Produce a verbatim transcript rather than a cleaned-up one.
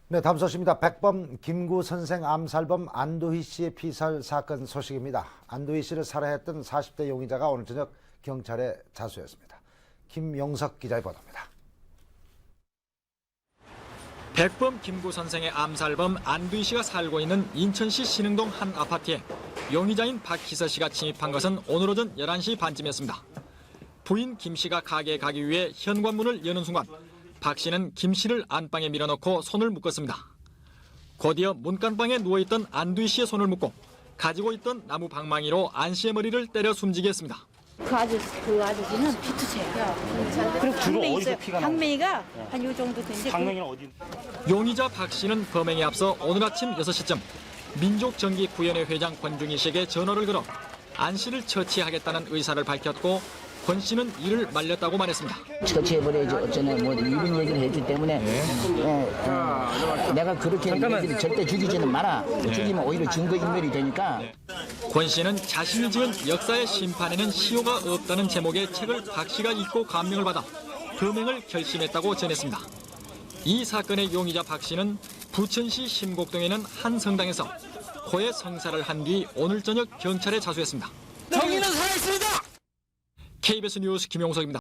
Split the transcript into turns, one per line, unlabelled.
네, 다음 소식입니다. 백범 김구 선생 암살범 안도희 씨의 피살 사건 소식입니다. 안도희 씨를 살해했던 사십 대 용의자가 오늘 저녁 경찰에 자수했습니다. 김용석 기자의 보도입니다.
백범 김구 선생의 암살범 안도희 씨가 살고 있는 인천시 신흥동 한 아파트에 용의자인 박희서 씨가 침입한 것은 오늘 오전 열한 시 반쯤이었습니다. 부인 김 씨가 가게에 가기 위해 현관문을 여는 순간 박 씨는 김 씨를 안방에 밀어넣고 손을 묶었습니다. 곧이어 문간방에 누워있던 안도희 씨의 손을 묶고 가지고 있던 나무 방망이로 안 씨의 머리를 때려 숨지게 했습니다.
그 아저씨, 그 아저씨는 피투체야. 그리고 방맹이 있어요. 방맹이가 한 요 정도 되는데.
방맹이는 어디?
용의자 박 씨는 범행에 앞서 오늘 아침 여섯 시쯤 민족정기구현회 회장 권중희 씨에게 전화를 걸어 안 씨를 처치하겠다는 의사를 밝혔고 권 씨는 이를 말렸다고 말했습니다.
처치해버려야지 어쩌네 뭐 이런 얘기를 해주기 때문에 네. 어, 어, 내가 그렇게 얘기를 절대 죽이지는 마라. 네. 죽이면 오히려 증거인멸이 되니까.
네. 권 씨는 자신이 지은 역사의 심판에는 시효가 없다는 제목의 책을 박 씨가 읽고 감명을 받아 범행을 결심했다고 전했습니다. 이 사건의 용의자 박 씨는 부천시 심곡동에 있는 한 성당에서 코에 성사를 한 뒤 오늘 저녁 경찰에 자수했습니다.
정의는 살아있습니다.
케이비에스 뉴스 김용석입니다.